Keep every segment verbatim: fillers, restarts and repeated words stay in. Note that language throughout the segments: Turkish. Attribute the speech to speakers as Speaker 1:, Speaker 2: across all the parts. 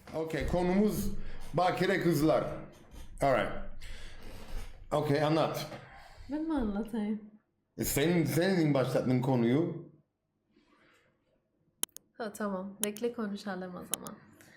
Speaker 1: Okay, konumuz bakire kızlar. Alright. Okay, anlat.
Speaker 2: Ben mi anlatayım?
Speaker 1: E, Sen, senin başlattın konuyu.
Speaker 2: Ha, tamam. Bekle konuşalım o zaman.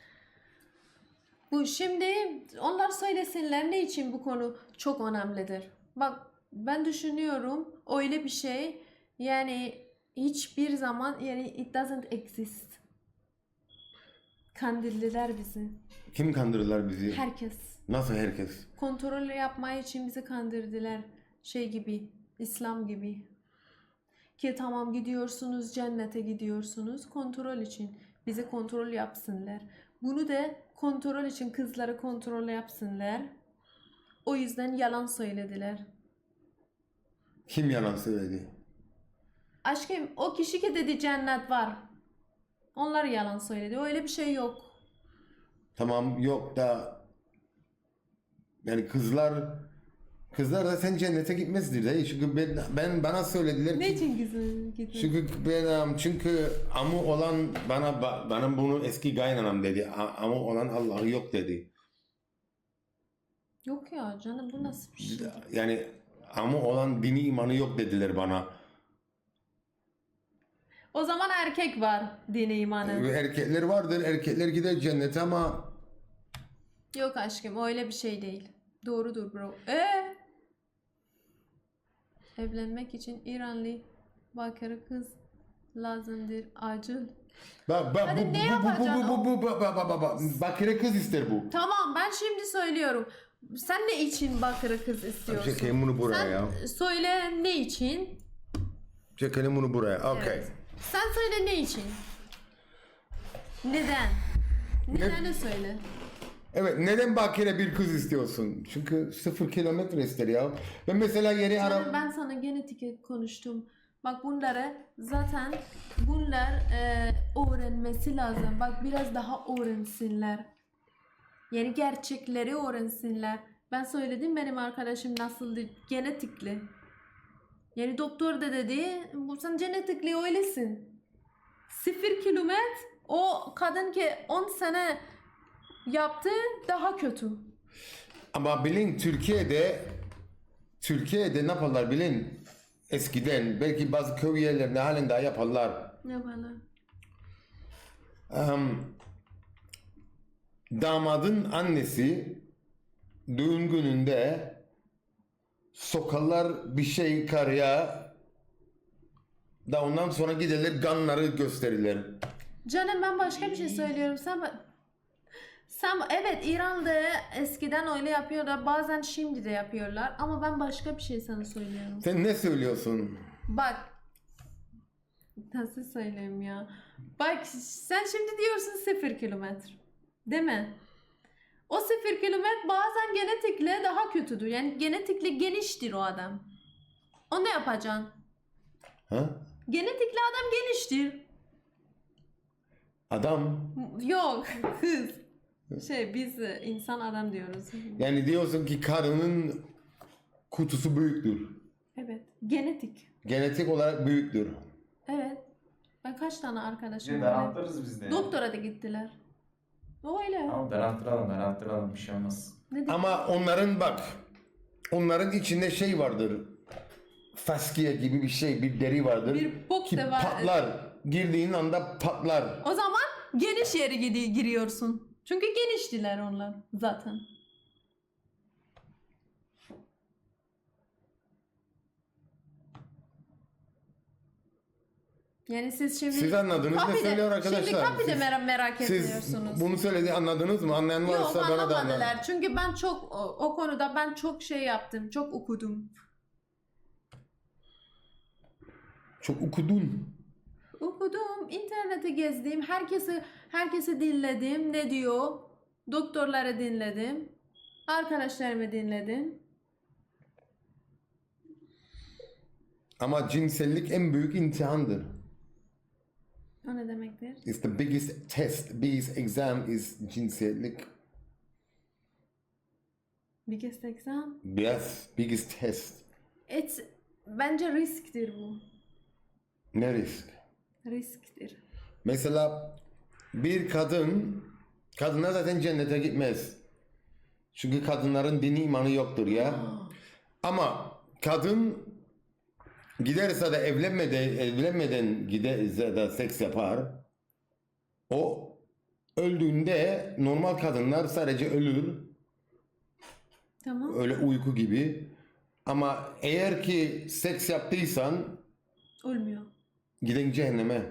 Speaker 2: Bu şimdi onlar söylesinler ne için bu konu çok önemlidir. Bak ben düşünüyorum öyle bir şey yani hiçbir zaman yani it doesn't exist. Kandildiler bizi.
Speaker 1: Kim kandırdılar bizi?
Speaker 2: Herkes.
Speaker 1: Nasıl herkes?
Speaker 2: Kontrol yapmaya için bizi kandırdılar. Şey gibi, İslam gibi. Ki tamam gidiyorsunuz cennete gidiyorsunuz kontrol için. Bizi kontrol yapsınlar. Bunu da kontrol için kızları kontrol yapsınlar. O yüzden yalan söylediler.
Speaker 1: Kim yalan söyledi?
Speaker 2: Aşkım o kişi ki dedi cennet var. Onlar yalan söyledi. Öyle bir şey yok.
Speaker 1: Tamam yok da yani kızlar kızlar da sen cennete gitmezdir de çünkü ben, ben bana söylediler
Speaker 2: Ne
Speaker 1: ki
Speaker 2: için gizli gizli?
Speaker 1: çünkü ben çünkü amu olan bana bana bunu eski kaynanam dedi. A- Amu olan Allah'ı yok dedi.
Speaker 2: Yok ya canım bu nasıl bir şey?
Speaker 1: Yani amu olan dini imanı yok dediler bana.
Speaker 2: O zaman erkek var dini imanı.
Speaker 1: Erkekler vardır, erkekler gider cennete ama
Speaker 2: Yok aşkım öyle bir şey değil. Doğrudur bro. Ee? Evlenmek için İranlı bakire kız lazımdır. Acil.
Speaker 1: bak bak
Speaker 2: Hadi
Speaker 1: bu,
Speaker 2: ne
Speaker 1: bu, bu,
Speaker 2: yapacaksın
Speaker 1: bu, bu, bu, bu, bu, bu, bu, bu, bakire kız ister bu.
Speaker 2: Tamam ben şimdi söylüyorum. Sen ne için bakire kız istiyorsun?
Speaker 1: Çekelim bunu buraya
Speaker 2: Sen
Speaker 1: ya.
Speaker 2: söyle ne için?
Speaker 1: Çekelim bunu buraya. Okay.
Speaker 2: Evet. Sen söyle ne için? Neden? Nedenini söyle.
Speaker 1: Evet, neden bakire bir kız istiyorsun? Çünkü sıfır kilometre ister ya. Ben mesela yeni
Speaker 2: Canım,
Speaker 1: ara...
Speaker 2: ben sana genetik konuştum. Bak bunları zaten bunlar e, öğrenmesi lazım. Bak biraz daha öğrensinler. Yani gerçekleri öğrensinler. Ben söyledim benim arkadaşım nasıldı genetikli. Yani doktor da dedi bu sen genetikli öylesin. Sıfır kilometre o kadın ki on sene yaptı daha kötü.
Speaker 1: Ama bilin Türkiye'de Türkiye'de ne yaparlar bilin? Eskiden belki bazı köy yerlerinde halen daha yaparlar.
Speaker 2: Ne bana?
Speaker 1: Um, damadın annesi düğün gününde sokarlar bir şey karıya da ondan sonra giderler ganları gösterirler.
Speaker 2: Canım ben başka bir şey söylüyorum. Sen sen evet İran'da eskiden öyle yapıyorlar. Bazen şimdi de yapıyorlar. Ama ben başka bir şey sana söylüyorum.
Speaker 1: Sen ne söylüyorsun?
Speaker 2: Bak. Nasıl söyleyeyim ya? Bak sen şimdi diyorsun sıfır kilometre. Değil mi? O sıfır kilometre bazen genetikle daha kötüdür. Yani genetikle geniştir o adam. O ne yapacaksın?
Speaker 1: Ha?
Speaker 2: Genetikli adam geniştir.
Speaker 1: Adam.
Speaker 2: Yok kız. Şey biz insan adam diyoruz.
Speaker 1: Yani diyorsun ki karının kutusu büyüktür.
Speaker 2: Evet. Genetik.
Speaker 1: Genetik olarak büyüktür.
Speaker 2: Evet. Ben kaç tane arkadaşım
Speaker 3: Şimdi
Speaker 2: var.
Speaker 3: daraltırız biz de. ya.
Speaker 2: Doktora da gittiler. Öyle.
Speaker 3: Tamam daralttıralım daralttıralım bir şey olmaz.
Speaker 2: Ne diyeyim?
Speaker 1: Ama onların bak, onların içinde şey vardır. Faskiye gibi bir şey, bir deri vardır.
Speaker 2: Bir bok
Speaker 1: ki
Speaker 2: da var.
Speaker 1: patlar. Girdiğin anda patlar.
Speaker 2: O zaman geniş yere gidi- giriyorsun. Çünkü geniştiler onlar zaten. Yani siz şimdi...
Speaker 1: Siz anladınız ne
Speaker 2: Kapide-
Speaker 1: söylüyor arkadaşlar?
Speaker 2: Şimdi kapide
Speaker 1: Siz-
Speaker 2: merak, merak
Speaker 1: Siz
Speaker 2: ediyorsunuz.
Speaker 1: bunu söyledi anladınız mı? Anlayan
Speaker 2: Yok
Speaker 1: varsa bana da anlat.
Speaker 2: anlamadılar. Çünkü ben çok o, o konuda ben çok şey yaptım. Çok okudum.
Speaker 1: Çok okudun.
Speaker 2: Okudum, interneti gezdim, herkesi herkesi dinledim. Ne diyor? Doktorları dinledim. Arkadaşlarımı dinledim.
Speaker 1: Ama cinsellik en büyük imtihandır.
Speaker 2: O ne demektir?
Speaker 1: It's the biggest test, biggest exam is cinsellik.
Speaker 2: Biggest exam.
Speaker 1: Yes, biggest test.
Speaker 2: It's, bence risktir bu.
Speaker 1: Ne risk?
Speaker 2: Risktir.
Speaker 1: Mesela bir kadın Kadınlar zaten cennete gitmez. Çünkü kadınların dini imanı yoktur ya. Ama kadın giderse de evlenmeden, evlenmeden giderse de seks yapar. O öldüğünde normal kadınlar sadece ölür.
Speaker 2: Tamam.
Speaker 1: Öyle uyku gibi. Ama eğer ki seks yaptıysan
Speaker 2: Olmuyor.
Speaker 1: giden cehenneme.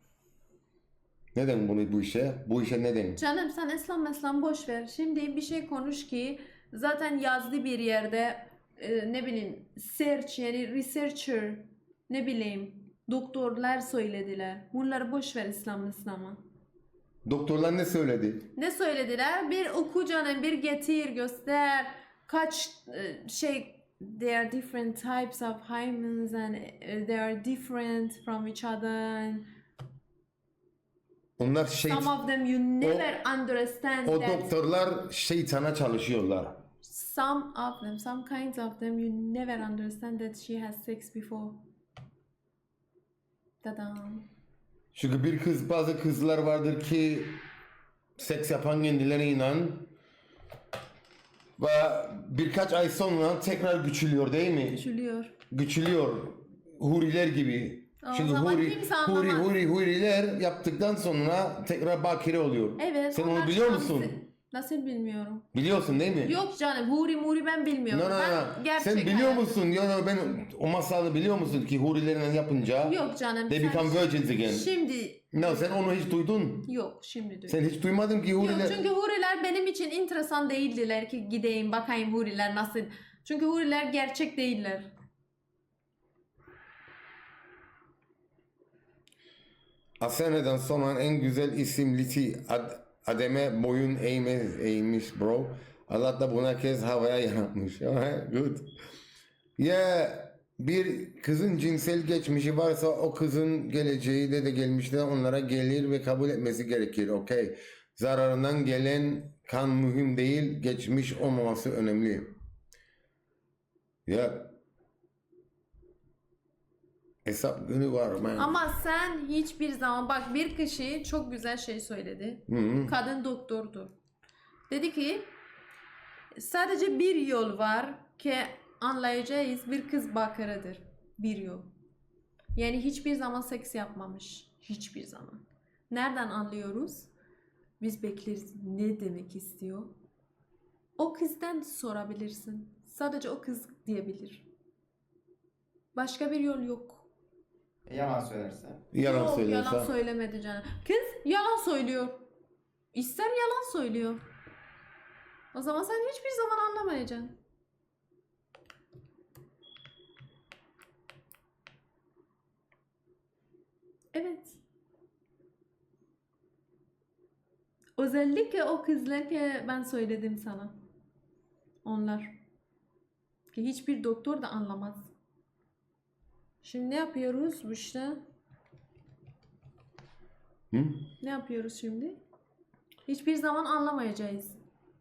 Speaker 1: Neden bunu bu işe? Bu işe neden?
Speaker 2: Canım sen İslam İslam boş ver. Şimdi bir şey konuş ki zaten yazdı bir yerde e, ne bileyim search yani researcher ne bileyim doktorlar söylediler. Bunları boş ver İslam İslam'a.
Speaker 1: Doktorlar ne söyledi?
Speaker 2: Ne söylediler? Bir oku canım, bir getir, göster. Kaç e, şey there are different types of hymens and uh, they are different from each other. And
Speaker 1: Onlar şey,
Speaker 2: some of them you never understand
Speaker 1: o
Speaker 2: that.
Speaker 1: doktorlar şeytana çalışıyorlar.
Speaker 2: Some of them, some kinds of them you never understand that she has sex before. Tadam.
Speaker 1: Çünkü bir kız, bazı kızlar vardır ki seks yapan kendilerine inan ve birkaç ay sonra tekrar güçülüyor değil mi?
Speaker 2: Küçülüyor.
Speaker 1: Güçülüyor. Huriler gibi.
Speaker 2: O
Speaker 1: Çünkü
Speaker 2: zaman
Speaker 1: huri,
Speaker 2: kimse
Speaker 1: huri,
Speaker 2: anlamaz.
Speaker 1: huri, huriler yaptıktan sonra tekrar bakire oluyor.
Speaker 2: Evet.
Speaker 1: Sen
Speaker 2: onlar
Speaker 1: onu biliyor
Speaker 2: şansı.
Speaker 1: musun?
Speaker 2: Nasıl bilmiyorum.
Speaker 1: Biliyorsun değil mi?
Speaker 2: Yok canım, huri muri ben bilmiyorum.
Speaker 1: No, no,
Speaker 2: Ben
Speaker 1: no.
Speaker 2: gerçek
Speaker 1: Sen biliyor
Speaker 2: hayatım-
Speaker 1: musun? Ya no, ben o masalı biliyor musun ki hurilerle yapınca
Speaker 2: Yok canım.
Speaker 1: they
Speaker 2: sen-
Speaker 1: become virgins again.
Speaker 2: Şimdi
Speaker 1: No, sen onu hiç duydun.
Speaker 2: yok şimdi duydum.
Speaker 1: Sen hiç duymadın ki
Speaker 2: Yok
Speaker 1: huriler.
Speaker 2: çünkü huriler benim için enteresan değildiler ki gideyim bakayım huriler nasıl. Çünkü huriler gerçek değiller.
Speaker 1: Asena'dan sonra en güzel isim Liti Ad, Adem'e boyun eğme, eğmiş bro. Allah da buna kez havaya yaratmış. Good. Ya bir kızın cinsel geçmişi varsa o kızın geleceği de de gelmişte onlara gelir ve kabul etmesi gerekir. Okey. Zararından gelen kan mühim değil, geçmiş olmaması önemli. Ya hesap günü var man.
Speaker 2: Ama sen hiçbir zaman bak bir kişi çok güzel şey söyledi.
Speaker 1: Hı-hı.
Speaker 2: Kadın doktordu. Dedi ki sadece bir yol var ki anlayacağız bir kız bakırıdır. Bir yol. Yani hiçbir zaman seks yapmamış. Hiçbir zaman. Nereden anlıyoruz? Biz bekleriz ne demek istiyor. O kızdan sorabilirsin. Sadece o kız diyebilir. Başka bir yol yok.
Speaker 3: E, yalan söylerse.
Speaker 1: Yalan
Speaker 2: Yok,
Speaker 1: söylüyorsa.
Speaker 2: yalan söylemedi canım. Kız yalan söylüyor. İster yalan söylüyor. O zaman sen hiçbir zaman anlamayacaksın. Evet. Özellikle o kızlar ki ben söyledim sana. Onlar. Ki hiçbir doktor da anlamaz. Şimdi ne yapıyoruz bu işte?
Speaker 1: Hı?
Speaker 2: Ne yapıyoruz şimdi? Hiçbir zaman anlamayacağız.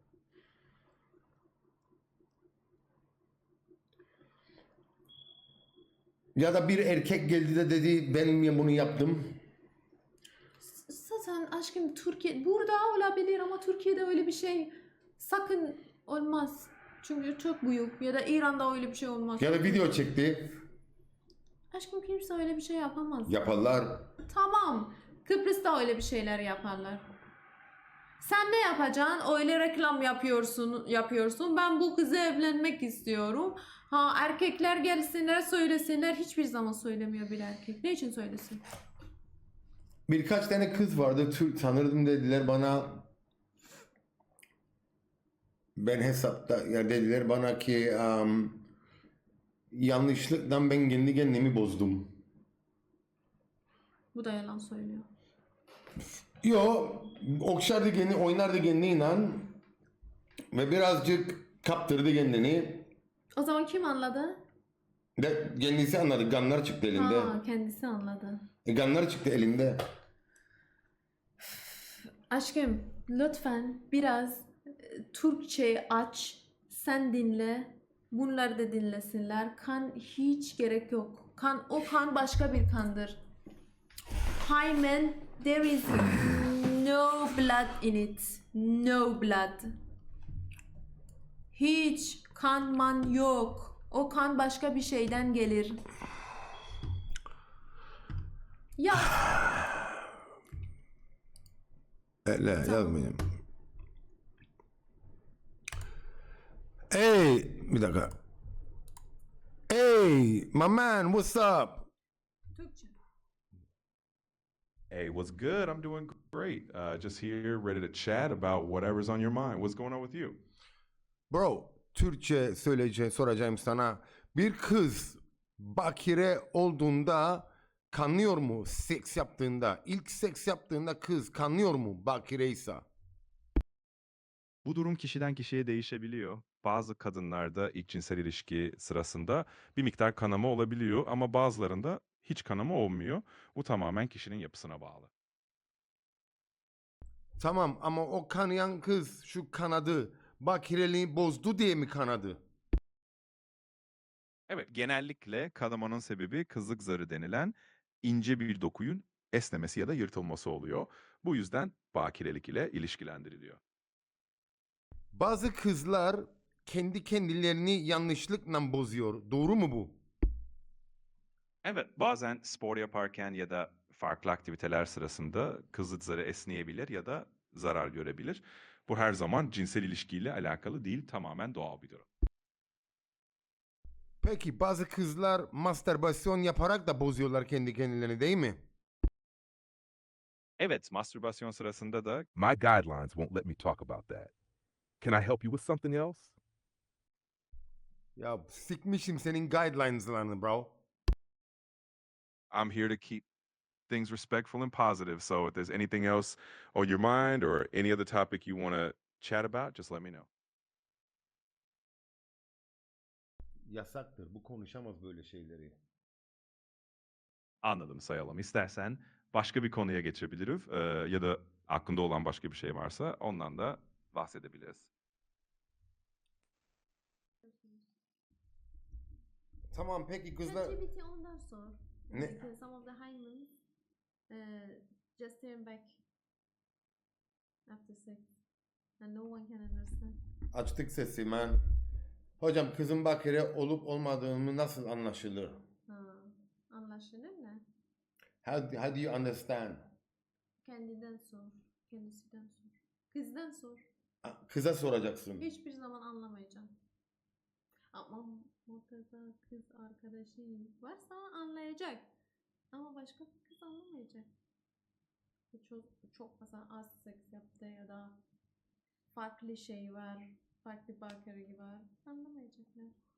Speaker 1: Ya da bir erkek geldi de dedi ben bunu yaptım.
Speaker 2: Zaten aşkım Türkiye burada olabilir ama Türkiye'de öyle bir şey sakın olmaz. Çünkü çok büyük ya da İran'da öyle bir şey olmaz.
Speaker 1: Ya da video çekti.
Speaker 2: Aşkım kimse öyle bir şey yapamaz.
Speaker 1: Yaparlar.
Speaker 2: Tamam. Kıbrıs'ta öyle bir şeyler yaparlar. Sen ne yapacaksın? Öyle reklam yapıyorsun, yapıyorsun. Ben bu kızı evlenmek istiyorum. Ha erkekler gelsinler söylesinler. Hiçbir zaman söylemiyor bir erkek. Ne için söylesin?
Speaker 1: Birkaç tane kız vardı Türk tanırdım dediler bana. Ben hesapta ya dediler bana ki um, yanlışlıkla ben kendi kendimi bozdum.
Speaker 2: Bu da yalan söylüyor.
Speaker 1: Yo okşardı kendini oynardı kendini inan. Ve birazcık kaptırdı kendini.
Speaker 2: O zaman kim anladı?
Speaker 1: De, kendisi anladı ganlar çıktı elinde.
Speaker 2: Ha, kendisi anladı.
Speaker 1: E, ganlar çıktı elinde.
Speaker 2: Aşkım lütfen biraz e, Türkçe aç, sen dinle, bunları da dinlesinler. Kan hiç gerek yok. Kan o kan başka bir kandır. Hymen, there is no blood in it. No blood. Hiç kan man yok. O kan başka bir şeyden gelir. Ya
Speaker 1: Öyle yazmayayım. Hey, bir dakika. Hey, my man, what's up?
Speaker 2: Türkçe.
Speaker 4: Hey, what's good? I'm doing great. Uh, just here, ready to chat about whatever's on your mind. What's going on with you?
Speaker 1: Bro, Türkçe söyleyeceğim, soracağım sana. Bir kız bakire olduğunda kanıyor mu seks yaptığında? İlk seks yaptığında kız kanıyor mu bakireysa?
Speaker 4: Bu durum kişiden kişiye değişebiliyor. Bazı kadınlarda ilk cinsel ilişki sırasında bir miktar kanama olabiliyor ama bazılarında hiç kanama olmuyor. Bu tamamen kişinin yapısına bağlı.
Speaker 1: Tamam ama o kanayan kız şu kanadı bakireliği bozdu diye mi kanadı?
Speaker 4: Evet, genellikle kanamanın sebebi kızlık zarı denilen ince bir dokuyun esnemesi ya da yırtılması oluyor. Bu yüzden bakirelik ile ilişkilendiriliyor.
Speaker 1: Bazı kızlar kendi kendilerini yanlışlıkla bozuyor. Doğru mu bu?
Speaker 4: Evet, bazen spor yaparken ya da farklı aktiviteler sırasında kızlık zarı esneyebilir ya da zarar görebilir. Bu her zaman cinsel ilişkiyle alakalı değil, tamamen doğal bir durum.
Speaker 1: Peki bazı kızlar mastürbasyon yaparak da bozuyorlar kendi kendilerini değil mi?
Speaker 4: Evet, mastürbasyon sırasında da
Speaker 5: My guidelines won't let me talk about that. Can I help you with something else?
Speaker 1: Ya sikmişim senin guidelines'larını bro.
Speaker 4: I'm here to keep things respectful and positive. So if there's anything else on your mind or any other topic you want to chat about, just let me know.
Speaker 1: Yasaktır. Bu konuşamaz böyle şeyleri.
Speaker 4: Anladım, sayalım. İstersen başka bir konuya geçebiliriz eee, ya da aklında olan başka bir şey varsa ondan da bahsedebiliriz.
Speaker 1: Tamam peki kızlar...
Speaker 2: ChatGPT ondan sor.
Speaker 1: Ne?
Speaker 2: Because some of the hymens uh, just turn back after sex. And no one can understand.
Speaker 1: Açtık sesi man. Hocam kızın bakire olup olmadığını nasıl anlaşılır?
Speaker 2: Ha, anlaşılır ne?
Speaker 1: How, how do you understand?
Speaker 2: Kendinden sor. Kendisinden sor. Kızdan sor.
Speaker 1: Kıza soracaksın.
Speaker 2: Hiçbir zaman anlamayacağım. Ama mutlaka kız arkadaşı varsa anlayacak. Ama başka bir kız anlamayacak. Çok, çok mesela az seks yaptı ya da farklı şey var. Farklı bakeri var. Anlamayacaklar.